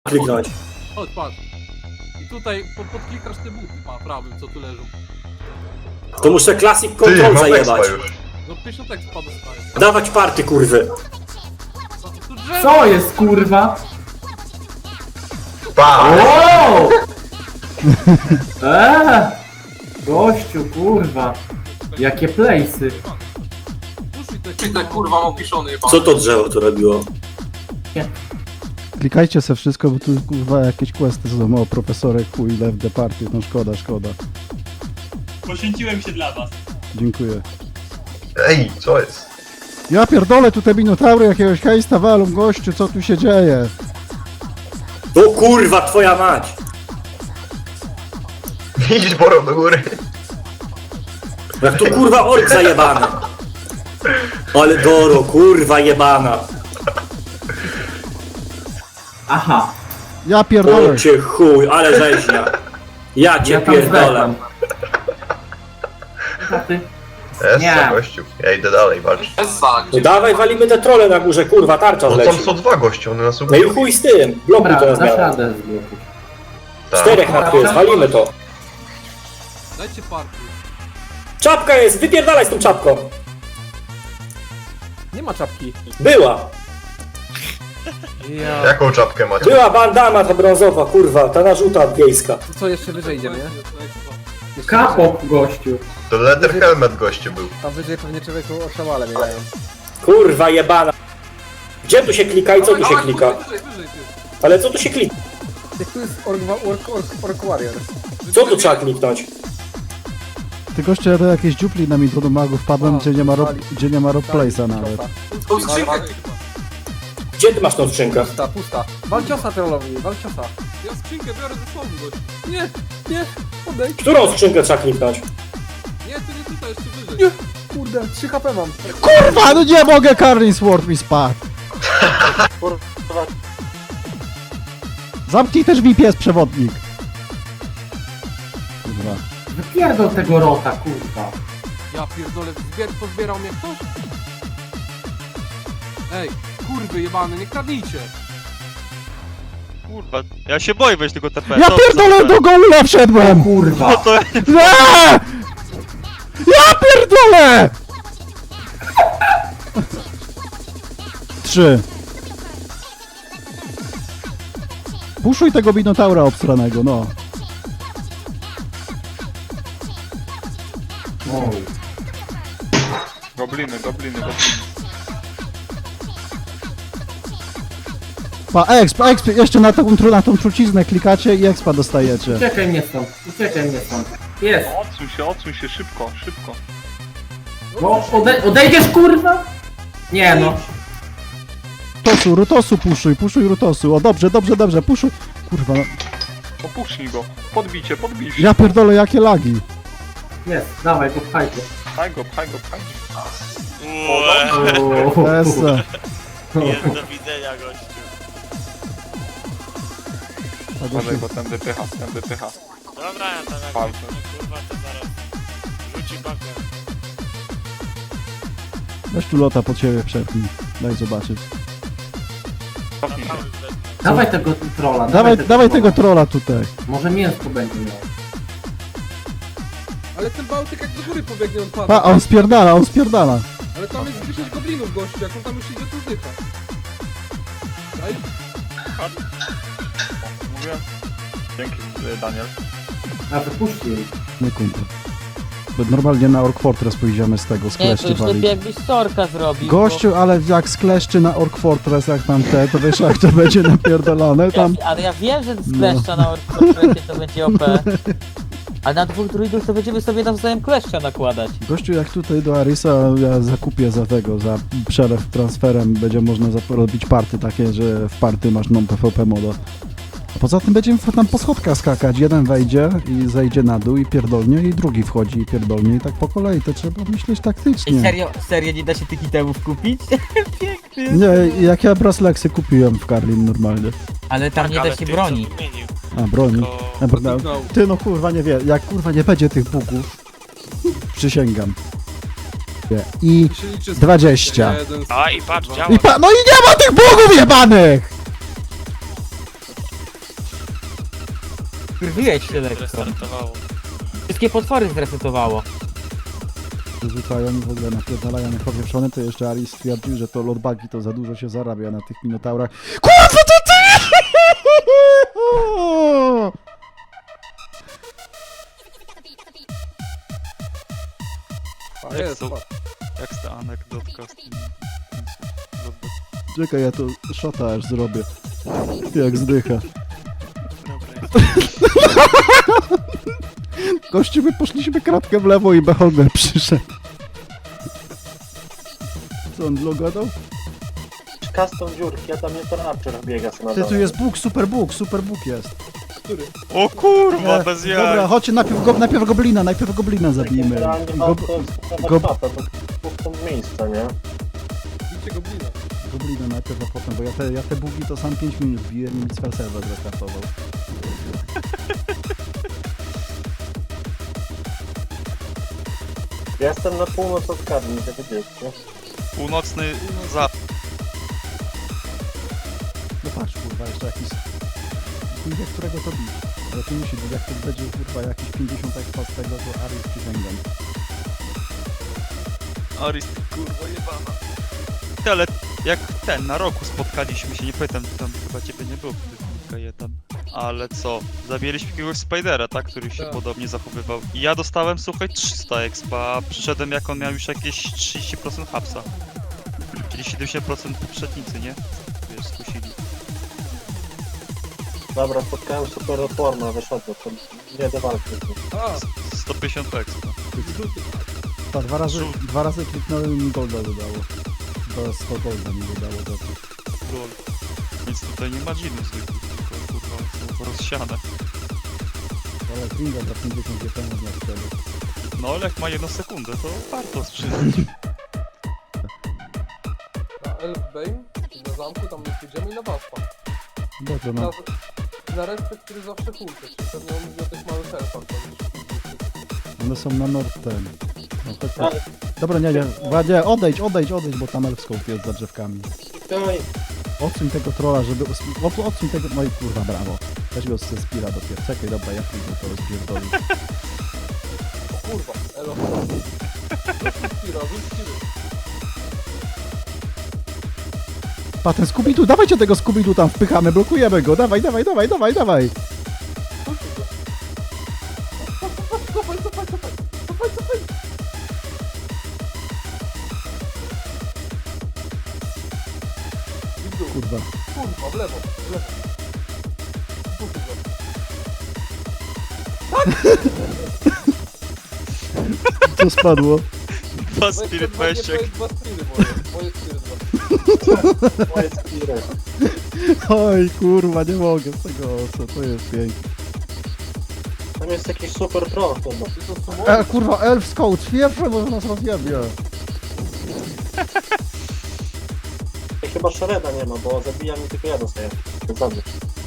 kliknąć. Chodź, patrz. I tutaj podklikasz te buty, prawym, co tu leżą. To muszę Classic Ty, Control mam expa zajebać. już. No 50 tak spadł stary. Dawać party, kurwy. Tu drzewo! Co jest kurwa? Pa! Wow! Gościu, kurwa. Jakie place'y. Puszczaj te kurwa opiszony jebany. Co to drzewo tu robiło? Klikajcie se wszystko, bo tu kurwa jakieś questy są o profesorek, chuj, left the party, no szkoda, szkoda. Poświęciłem się dla was. Dziękuję. Ej, co jest? Ja pierdolę, tutaj minotaury jakiegoś hejsta walą, gościu, co tu się dzieje? O kurwa, twoja mać! Idź Boro do góry. Jak tu kurwa ork zajebany. Ale Doro, kurwa jebana. Aha. Ja pierdolę. O cię chuj, ale rzeźnia. Ja cię Ja tam pierdolę. zwędam. A ty? Jest Nie. co, gościu. Ja idę dalej walczyć. No dawaj, walimy te trole na górze, kurwa, tarcza No wleci. tam są dwa goście, one nas No ubiją. i chuj z tym, blokuj Dobra, to na dasz zmianę. radę zblokuj. Tak. Czterech na tu jest, walimy to. Dajcie party. Czapka jest, wypierdalaj z tą czapką. Nie ma czapki. Była, Ja. Jaką czapkę macie? była bandana ta brązowa, kurwa, ta narzuta wiejska. To co, jeszcze wyżej idziemy, nie? Kapok, gościu. To leather helmet gościu był. Tam wyżej pewnie człowieku oszałale biegają. Kurwa jebana. Gdzie tu się klika i co tu się klika? Wyżej, ty. Ale co tu się klika? Jak tu jest Ork Warrior. Co tu trzeba kliknąć? Ty goście, do jakiejś dziupli na mi do magów wpadłem, gdzie nie ma rock place'a nawet. Tą skrzynkę. Gdzie ty masz tą skrzynkę? Pusta. Wal ciosa trollowi, wal ciosa. Ja skrzynkę biorę ze sobą, gość. Nie, odejdź. Którą skrzynkę trzeba kliknąć? Nie, to nie tutaj, jeszcze wyżej. Nie, kurde, 3 HP mam. Kurwa, no nie mogę, Carlin Sword mi spadł. Zamknij też VPS przewodnik. Kurwa. Wypierdol tego rota, kurwa. Ja pierdolę, pozbierał mnie ktoś? Ej, kurwy jebane, nie kradnijcie. Kurwa, ja się boję wejść tego TP. Ja pierdolę, do gołula wszedłem! Kurwa. No to Nie! Ja pierdolę! 3. Puszuj tego Minotaura obstranego, no. Oj. Gobliny. Pa, exp, jeszcze na tą truciznę klikacie i expa dostajecie. Uciekaj mnie stąd, uciekaj mnie stąd. Jest. odsuń się, szybko. No, odejdziesz, kurwa? Nie no. Rutosu puszuj Rutosu. O, dobrze, puszuj. Kurwa, no. Opuśnij go. Podbicie. Ja pierdolę, jakie lagi. Jest, dawaj, go pchaj go. Pchaj go. Esa. Jest do widzenia, gościu. Uważaj, bo tędy pycha. Dobra, ja tam jak Palce. kurwa to zaraz rzuci bakę. Weź tu lota pod siebie przepnij. Daj zobaczyć. Cofnij się. Dawaj tego trolla. Dawaj tego trolla tutaj. Może mięsko będzie miał. Ale ten Bałtyk jak do góry pobiegnie, on pada. Pa, on spierdala. Ale tam jest 10 goblinów, gościu, jak on tam już idzie, to zdycha. Daj. Mówię. Dzięki, Daniel. A wypuśćcie jej. Nie kumpel. Bo normalnie na Ork Fortress pójdziemy z tego, z Nie, to kleszczy już lepiej walić. jakbyś Sorka zrobił. Gościu, ale jak z kleszczy na Ork Fortress, jak tam to wiesz jak to będzie napierdolone tam. Ale ja wiem, że z kleszcza na Orkfurcie to będzie OP. Ale na dwóch druidów to będziemy sobie nawzajem kleszcza nakładać. Gościu, jak tutaj do Arisa ja zakupię za przelew transferem, będzie można robić party takie, że w party masz non-PvP moda. A poza tym będziemy tam po schodkach skakać. Jeden wejdzie i zejdzie na dół i pierdolnie, i drugi wchodzi i pierdolnie i tak po kolei. To trzeba myśleć I taktycznie. serio nie da się tych itemów kupić? Piękny. Nie, jak ja Brasleksy kupiłem w Carlin normalnie. Ale tam nie Ale da się ty, broni. co wymienił, A, broni. to- Ty no kurwa nie wie, jak kurwa nie będzie tych bugów, przysięgam. I Się liczy z 20. jeden z- A i patrz, działa. No i nie ma tych bugów jebanych! Wkurwiłeś się lekko. Restartowało. Wszystkie potwory zresetowało. Wyrzucają i w ogóle napierdalają jak powieszone, to jeszcze Alice stwierdził, że to lotbagi to za dużo się zarabia na tych minotaurach. KURWA TO TY! A jest, to? patrz. Jak ta anegdotka z tym... Czekaj, ja to szota aż zrobię. Jak zdycha. Gościu, my poszliśmy kratkę w lewo i Beholder przyszedł. Co on logadał? Custom dziurki, a tam nie to Archer biega sobie na Ty, tu dole. jest Bóg, super Bóg jest. O kurwa, Nie, bez jaj! Dobra, chodźcie, najpierw goblina zabijmy. Generalnie warto skanować gob- mapę, to punkt miejsca, nie? Bicie goblina. Goblina najpierw, a potem, bo ja te bugi to sam 5 minut biłem i mi cel serwer zakartował. Ja jestem na północ od Karni, to widzieliście. Północny za... No patrz, kurwa, jeszcze jakiś... Chuj wie, którego to bić. Ale to musi być, jak to będzie, kurwa, jakieś 50 expa z tego, to Aris przysięgam. Aris, kurwa jebana. Ty, ale jak ten, na roku spotkaliśmy się, nie pamiętam, tam chyba ciebie nie było, kiedy tam. Ale co? Zabijaliśmy jakiegoś Spidera, tak? Który się Tak. podobnie zachowywał. I ja dostałem, słuchaj, 300 expa, a przyszedłem jak on miał już jakieś 30% hapsa. Czyli 70% poprzednicy, nie? Wiesz, skusili. Dobra, spotkałem super odporna, wyszedłem, to nie do walki. A, 150 expa. żółty. Tak, dwa razy kliknąłem i mi golda dodało. Do 100 golda mi dodało do tych. Lol. Więc tutaj nie ma dżinów zwykłych, tylko kurwa są rozsiane. Ale Kringa za 50 GP można wtedy. No ale jak ma 1 sekundę, to warto sprzedać. Na Elfbane, na zamku, tam nie pójdziemy i na Waspa. Dobrze, Na, no. na resztę, który zawsze hulkę, czyli pewnie on mówi o tych małych elfach. One są na nord ten. No, tak, tak. Ale Dobra, nie, odejdź, bo tam elfscope jest za drzewkami. tutaj Odsuń tego trolla, żeby... Odsuń tego... No i kurwa, brawo. Weź go ze Spira dopiero. Czekaj, dobra, ja pójdę to rozpierdolić. O kurwa, elo. Rzuć Spira. Pa, ten Scooby-Doo, dawajcie tego Scooby-Doo tam, wpychamy, blokujemy go, dawaj. Cofaj. I w dół. Kurwa. Kurwa, w lewo. Puszczaj go. Co spadło? Dwa Spirit Meszek. Dwa spiry moje spiry dwa. moje spiry. Oj, kurwa, nie mogę z tego, co to jest piękne. Tam jest jakiś super troll chyba. Ty to sumo? Kurwa, elf scout, pierwsze, bo nas rozjebie. I chyba Shareda nie ma, bo zabija mi tylko jeden sobie. Zabić.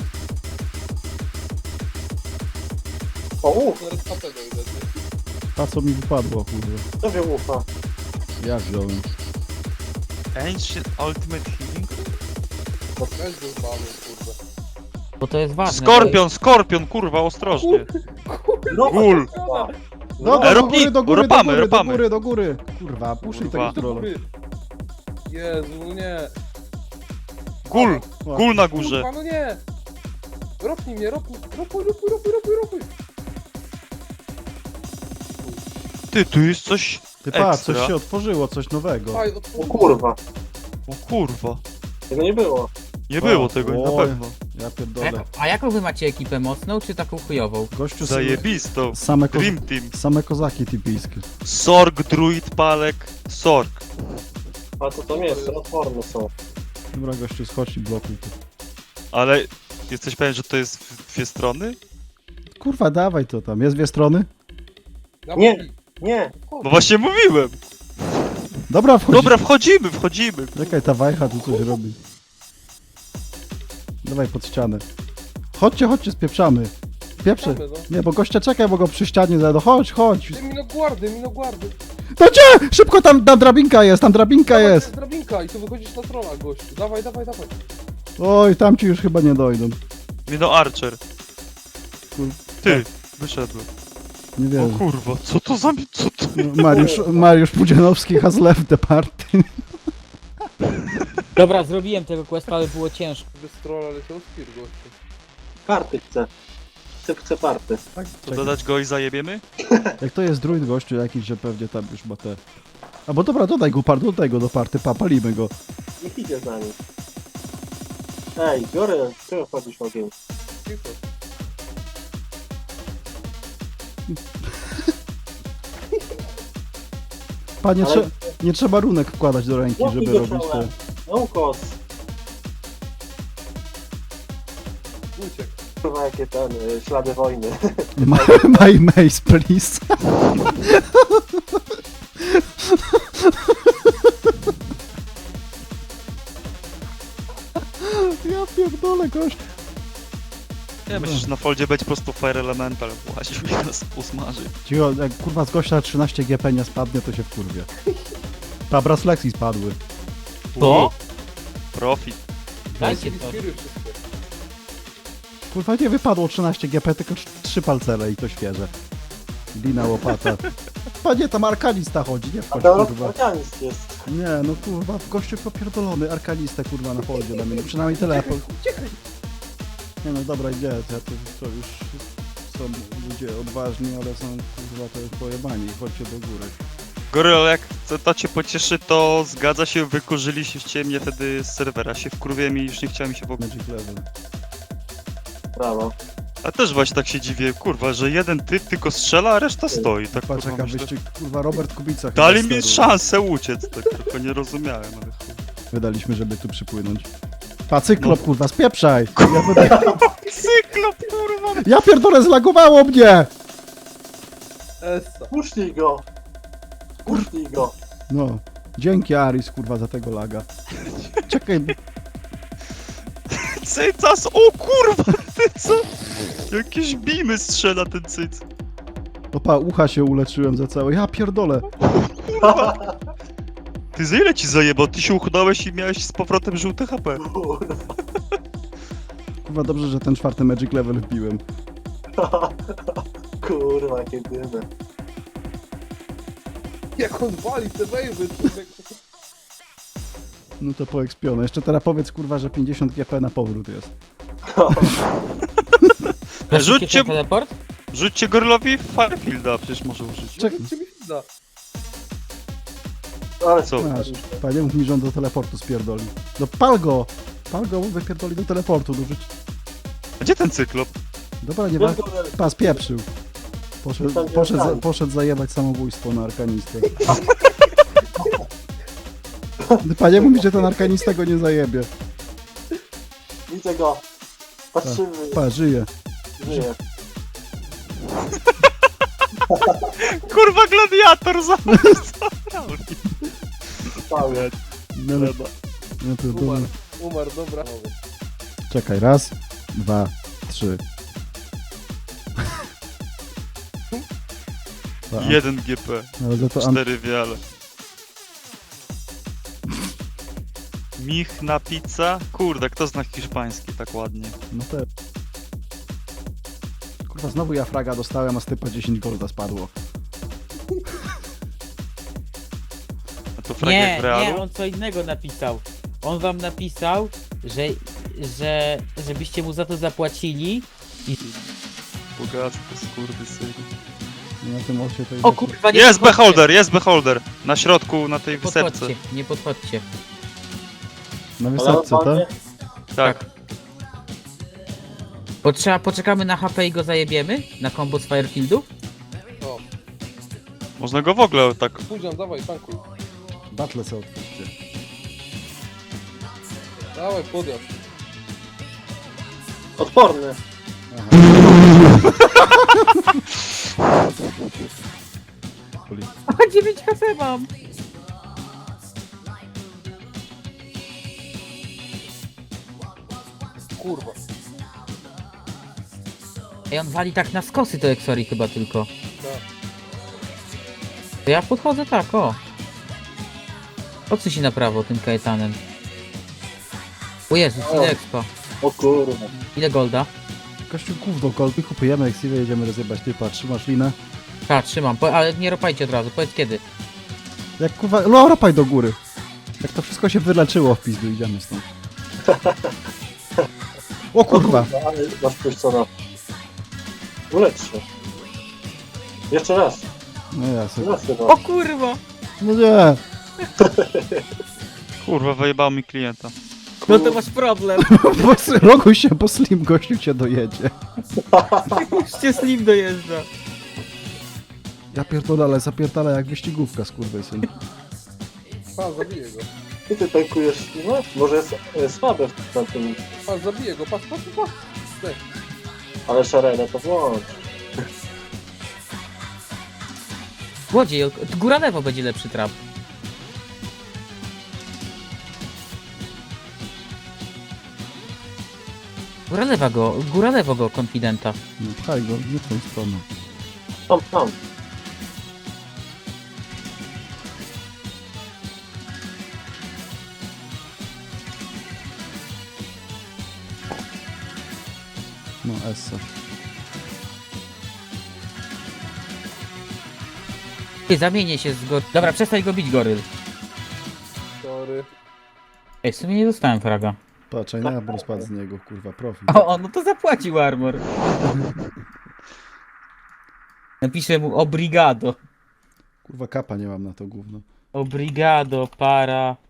O, Zaraz HP dojdę. A co mi wypadło, kurwa. kto wie ufa? Ja wziąłem. Ancient Ultimate Healing? Weź go zbamy, kurde. Bo to jest ważne. Skorpion, kurwa, ostrożnie. No, Gul. Dobra, do ropamy. do góry. Kurwa, puszczaj Kurwa. tego trolla. Jezu, nie. Gul na górze. Kurwa, no nie. Ropnij mnie, ropuj. Ty, tu jest coś Ty patrz, ekstra. coś się otworzyło, coś nowego. Faj, O otwórz. kurwa, O kurwa. tego nie było. Nie było tego, na Oj. pewno. Ja pierdolę. A jaką wy macie ekipę mocną, czy taką chujową? Gościu, Zajebistą. same, Dream Team. same kozaki typijskie. Sorg, druid, palek, sorg. A to tam jest, odporne są. Dobra, gościu, schodź i blokuj to. Ale jesteś pewien, że to jest w dwie strony? Kurwa, dawaj to tam. Jest dwie strony? Nie. Nie, Bo właśnie mówiłem. Dobra, wchodź. Dobra, wchodzimy. Czekaj, ta wajcha tu coś robi. Dawaj pod ścianę. Chodźcie, spieprzamy. Pieprzę. Nie, bo gościa czekaj, bo go przy ścianie zajdą. Chodź. Ty minoguardy. To cię! Szybko, tam drabinka jest, Jest drabinka i tu wychodzisz na trolla, gościu. Dawaj. Oj, tam ci już chyba nie dojdą. Mino Archer. Ty, wyszedłem. Nie O wiem. kurwa, co to za... co to... Mariusz Pudzianowski has left the party. Dobra, zrobiłem tego questa, ale było ciężko. Bez trolla leciał Spear, gościu. Party chcę. Chcę party. To dodać go i zajebiemy? Jak to jest druid gościu jakiś, że pewnie tam już ma te... A bo dobra, dodaj go do party, palimy go. Niech idzie z nami. Ej, biorę, czego wchodzisz w ogień? Cicho. Panie, Ale- nie trzeba runek wkładać do ręki, Łapij żeby go robić te... czołem. Naukos. Uciekł. Kurwa, jakie ten, ślady wojny. My mace, please. Ja pierdolę, gość. Ja myślę, że na foldzie będzie po prostu Fire Elemental łaził i nas usmaży. Cicho, jak kurwa z gościa 13 GP nie spadnie, to się wkurwie. Ta Braslexi spadły. Co? Profit. Dajcie to. Speary wszystkie. Kurwa nie wypadło 13 GP, tylko 3 palcele i to świeże. Dina łopata. Panie, tam arkanista chodzi, nie A wchodź to kurwa. organizm jest. Nie, no kurwa, gościu popierdolony, arkanista kurwa na foldzie na mnie, przynajmniej telefon. Uciekaj! Nie no dobra, idzie, to już są ludzie odważni, ale są kurwa to pojebani, chodźcie do góry. Goryl, jak to cię pocieszy, to zgadza się, wykurzyliście mnie wtedy z serwera, się wkurwiłem i już nie chciałem mi się w ogóle... Magic level. Brawo. A też właśnie tak się dziwię, kurwa, że jeden typ tylko strzela, a reszta stoi, tak Patrz kurwa jaka myślę. wyścig, kurwa Robert Kubica. chyba Dali mi steruje. szansę uciec, tak tylko nie rozumiałem, ale chuj. Wydaliśmy, żeby tu przypłynąć. Pa, cyklop, kurwa, spieprzaj! Ja, wydaję... Cyklop, kurwa! ja pierdolę, zlagowało mnie! Essa. Puszczij go. Puszczij go. No, dzięki Aris, kurwa, za tego laga. Czekaj, Cycas, o kurwa, ty co? Jakieś bimy strzela ten cyc. opa, ucha się uleczyłem za całe. Ja pierdolę. Ty za ile ci zajebał? Ty się uchudałeś i miałeś z powrotem żółte HP. Kurwa. Kurwa, dobrze, że ten 4 Magic level wbiłem. Kurwa, jakie dymy. Jak on wali te wejwy, człowieku. No to poekspione. Jeszcze teraz powiedz, kurwa, że 50 GP na powrót jest. Rzućcie- teleport? Rzućcie Gorylowi Firefielda, przecież może użyć. Czekaj, Cię mi da. Ale Co? masz. Panie, mów mi, że on do teleportu spierdoli. No pal go! Pal go, wypierdoli do teleportu. No, rzuć... A gdzie ten cyklop? Dobra, nie ma... Pas, pieprzył. Tam Poszedł zajebać samobójstwo na arkanistę. Panie mówi, że ten arkanista go nie zajebie. Widzę go. Patrzymy. Pa, żyje. Żyje. Kurwa, gladiator zamiast Cały. No, no to dobra. Umarł, dobra. Czekaj, raz, 2, 3. 1 GP, Ale za to 4 wiale. Michna pizza? Kurde, kto zna hiszpański tak ładnie? no te... Kurwa, znowu ja fraga dostałem, a z typa 10 golda spadło. A to frag jak Nie, w realu? nie, on co innego napisał. On wam napisał, żebyście mu za to zapłacili. Bogactwo, skurwysyn. Na tym osie to O kurwa, nie Jest podchodźcie. beholder, jest beholder! Na środku, na tej Nie wysepce. podchodźcie, nie podchodźcie. Na wysepce, tak? Tak. Poczekamy na HP i go zajebiemy? Na combo z Firefieldów? O, Można go w ogóle tak... Pudzian, dawaj, tankuj. Battle se otwórzcie. Dawaj, podjazd. Odporny. A 9 HP mam! Kurwa. Ej, on wali tak na skosy to Exori chyba tylko. Tak. To ja podchodzę tak, o. Odsuń się na prawo tym Kaetanem. O Jezus, ile expa. O kurwa. Ile golda? Gościu gówno, kolby, kupujemy eksywę, jedziemy rozjebać typa, trzymasz linę. Tak, trzymam, ale nie ropajcie od razu, powiedz kiedy. Jak kurwa, no ropaj do góry. Jak to wszystko się wyleczyło w pizdu, idziemy stąd. O kurwa! No, ale masz pójść co na... Ulecz się. Jeszcze raz. No ja sobie... Raz chyba. O kurwa! No nie! Kurwa, wyjebało mi klienta. No to masz problem. Roguj się, bo Slim gościu cię dojedzie. Już cię Slim dojeżdża. Ja pierdolę, ale zapierdala jak wyścigówka, skurwysyn. Pa, zabiję go. I ty tankujesz, no? Może jest słabe w tym, Pa, zabiję go, patrz. Zdech. ale Sharena to włącz. Łodziej, góra lewo będzie lepszy trap. Góra lewo go, konfidenta. No pchaj go, nie w tą stronę. Tam. No, Essa. Ty, zamienię się z Dobra, przestań go bić, goryl. Sorry. Ej, w sumie nie dostałem fraga. Patrz, a ja bym spadł z niego, kurwa, profil. O, no to zapłacił armor. Napiszę mu obrigado. Kurwa, kapa nie mam na to gówno. Obrigado, para.